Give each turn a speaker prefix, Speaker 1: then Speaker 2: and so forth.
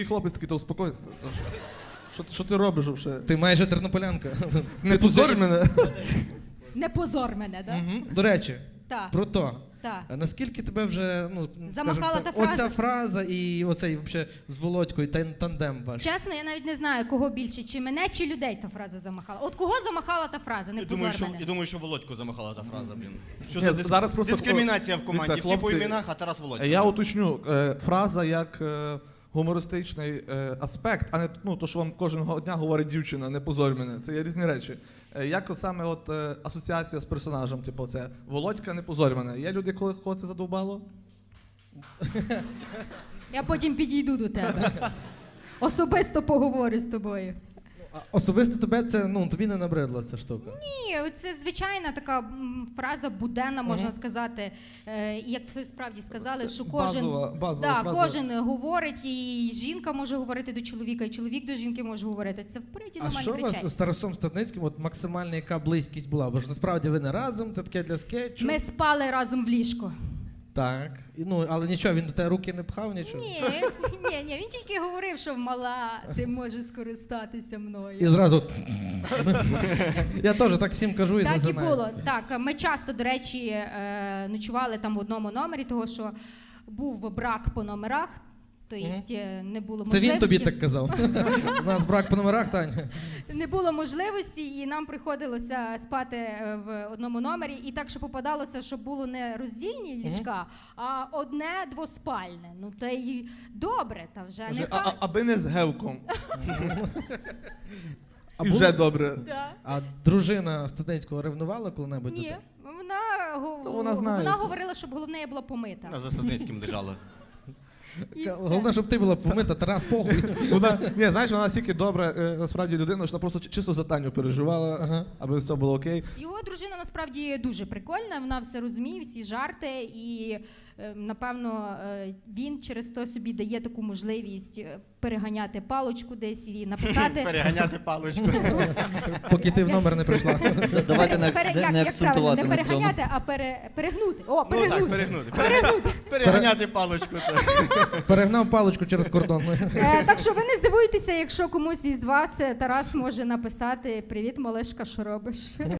Speaker 1: хлопець такий, то успокойся. Що ти робиш вже?
Speaker 2: Ти майже тернополянка.
Speaker 1: Не позорь мене.
Speaker 3: Не позор мене, так?
Speaker 2: До речі,
Speaker 3: Так.
Speaker 2: про то.
Speaker 3: Так.
Speaker 2: А наскільки тебе вже,
Speaker 3: Замахала
Speaker 2: скажімо
Speaker 3: та
Speaker 2: так,
Speaker 3: фраза?
Speaker 2: оця фраза і оцей вообще з Володькою тандем ваш?
Speaker 3: Чесно, я навіть не знаю, кого більше, чи мене, чи людей та фраза замахала. От кого замахала та фраза, не позор мене.
Speaker 4: Я думаю, що Володьку замахала та фраза, блін. Що
Speaker 1: Ні,
Speaker 4: за
Speaker 1: зараз просто
Speaker 4: дискримінація в команді?
Speaker 1: Дивіться,
Speaker 4: Всі по
Speaker 1: хлопці,
Speaker 4: іменах, а Тарас Володько.
Speaker 1: Я уточню, фраза як гумористичний аспект, а не то, що вам кожного дня говорить дівчина, не позорь мене. Це є різні речі. Як саме асоціація з персонажем, типу це Володька, не позорь мене. Є люди, кого це задовбало?
Speaker 3: Я потім підійду до тебе. Особисто поговорю з тобою.
Speaker 2: Особисто тебе це, тобі не набридла ця штука?
Speaker 3: Ні, це звичайна така фраза буденна, можна сказати. Як ви справді сказали, що кожен,
Speaker 1: базова фраза.
Speaker 3: кожен говорить, і жінка може говорити до чоловіка, і чоловік до жінки може говорити. Це в природі
Speaker 2: А
Speaker 3: нормальні
Speaker 2: що у
Speaker 3: речей.
Speaker 2: вас з Тарасом Стадницьким, от максимальна яка близькість була? Бо ж насправді ви не разом, це таке для скетчу.
Speaker 3: Ми спали разом в ліжку.
Speaker 2: Так. Але нічого, він до тебе руки не пхав, нічого?
Speaker 3: Ні, він тільки говорив, що мала, ти можеш скористатися мною.
Speaker 2: І зразу... Я теж так всім кажу і
Speaker 3: Так і
Speaker 2: зазинаю.
Speaker 3: було. Так, ми часто, до речі, ночували там в одному номері, того що був брак по номерах, тобто не було
Speaker 2: Це
Speaker 3: можливості.
Speaker 2: він тобі так казав. У нас брак по номерах, Таня.
Speaker 3: Не було можливості, і нам приходилося спати в одному номері. І так, що попадалося, що було не роздільні ліжка, а одне двоспальне. Ну, та й добре, та вже не
Speaker 1: Аби не з гевком.
Speaker 2: А
Speaker 1: І
Speaker 2: було-
Speaker 1: вже добре.
Speaker 3: Да.
Speaker 2: А дружина Стадницького ревнувала коли-небудь? до
Speaker 3: Ні,
Speaker 2: тебе?
Speaker 1: вона знає
Speaker 3: вона
Speaker 1: все.
Speaker 3: говорила, щоб головне я була помита.
Speaker 4: На Засадницьким лежала.
Speaker 3: І все.
Speaker 2: Головне, щоб ти була помита, Тарас, похуй.
Speaker 1: Вона настільки добра, насправді, людина, що вона просто чисто за Таню переживала, аби все було окей.
Speaker 3: Його дружина насправді дуже прикольна, вона все розуміє, всі жарти, і напевно він через то собі дає таку можливість переганяти палочку десь і написати.
Speaker 4: Переганяти паличку.
Speaker 2: Поки ти в номер не прийшла.
Speaker 5: Давайте
Speaker 3: як правильно,
Speaker 5: не акцентувати
Speaker 3: не
Speaker 5: на цьому.
Speaker 3: переганяти, а перегнути. О,
Speaker 4: Ну так,
Speaker 3: перегнути.
Speaker 4: перегнути. Переганяти паличку.
Speaker 2: Перегнав паличку через кордон.
Speaker 3: Так що ви не здивуєтеся, якщо комусь із вас Тарас може написати: «Привіт, малишка, що робиш?»